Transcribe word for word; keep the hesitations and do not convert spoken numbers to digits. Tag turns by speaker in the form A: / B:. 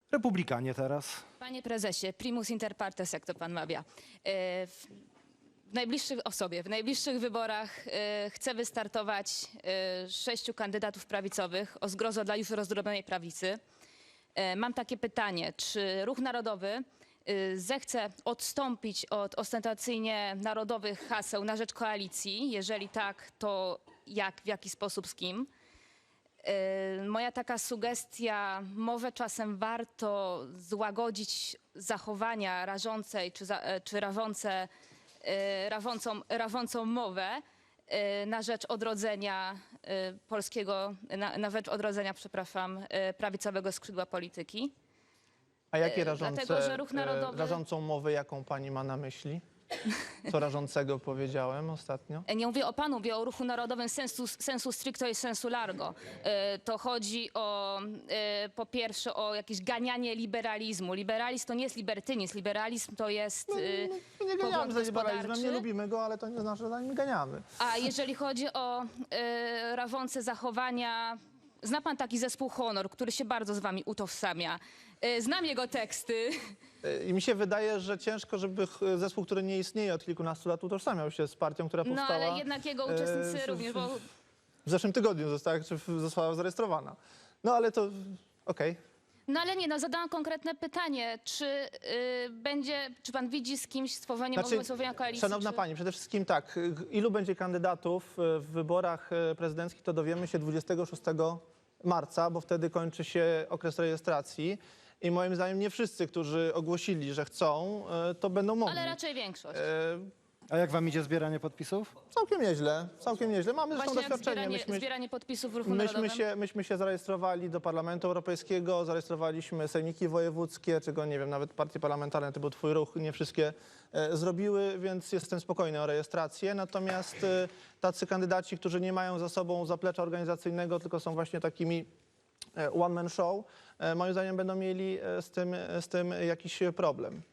A: Republikanie teraz.
B: Panie prezesie, primus inter partes, jak to pan mawia. E, W w najbliższych o sobie, w najbliższych wyborach e, chce wystartować e, sześciu kandydatów prawicowych o zgrozo dla już rozdrobnionej prawicy. E, Mam takie pytanie, czy Ruch Narodowy e, zechce odstąpić od ostentacyjnie narodowych haseł na rzecz koalicji? Jeżeli tak, to jak, w jaki sposób, z kim? E, Moja taka sugestia, może czasem warto złagodzić zachowania rażącej czy, za, e, czy rawące, e, rawącą, rawącą mowę e, na rzecz odrodzenia e, polskiego, na, na rzecz odrodzenia, przepraszam, e, prawicowego skrzydła polityki.
C: A jakie
B: E,
C: rażące,
B: dlatego, że Ruch
C: e,
B: Narodowy-
C: rażącą mowę, jaką pani ma na myśli? Co rażącego powiedziałem ostatnio?
B: Nie mówię o panu, mówię o Ruchu Narodowym sensu, sensu stricto i sensu largo. E, To chodzi o, e, po pierwsze, o jakieś ganianie liberalizmu. Liberalizm to nie jest libertynizm, liberalizm to jest e,
C: My nie ganiamy
B: pogląd
C: za liberalizmem,
B: gospodarczy.
C: nie lubimy go, ale to nie znaczy, że za nim ganiamy.
B: A jeżeli chodzi o e, rawące zachowania, zna pan taki zespół Honor, który się bardzo z wami utożsamia. E, Znam jego teksty.
C: E, I mi się wydaje, że ciężko, żeby ch- zespół, który nie istnieje od kilkunastu lat, utożsamiał się z partią, która
B: No
C: powstała
B: ale jednak jego
C: e,
B: uczestnicy
C: w-
B: również, bo
C: w zeszłym tygodniu została, czy w- została zarejestrowana. No ale to okej.
B: No ale nie, no zadałam konkretne pytanie, czy y, będzie, czy pan widzi z kimś stworzenie,
C: Znaczy,
B: możliwość stworzenia koalicji?
C: Szanowna
B: czy...
C: Pani, przede wszystkim tak, ilu będzie kandydatów w wyborach e, prezydenckich, to dowiemy się dwudziestego szóstego marca, bo wtedy kończy się okres rejestracji i moim zdaniem nie wszyscy, którzy ogłosili, że chcą, e, to będą mogli.
B: Ale raczej większość.
C: E,
A: A jak wam idzie zbieranie podpisów?
C: Całkiem nieźle, całkiem nieźle. Mamy zresztą
B: Właśnie jak
C: doświadczenie.
B: zbieranie,
C: Myśmy,
B: zbieranie podpisów w Ruchu
C: myśmy,
B: Narodowym.
C: się, myśmy się zarejestrowali do Parlamentu Europejskiego, zarejestrowaliśmy sejmiki wojewódzkie, czego nie wiem, nawet partie parlamentarne, to był twój ruch, nie wszystkie e, zrobiły, więc jestem spokojny o rejestrację. Natomiast e, tacy kandydaci, którzy nie mają za sobą zaplecza organizacyjnego, tylko są właśnie takimi one man show, e, moim zdaniem będą mieli e, z tym, z tym jakiś problem.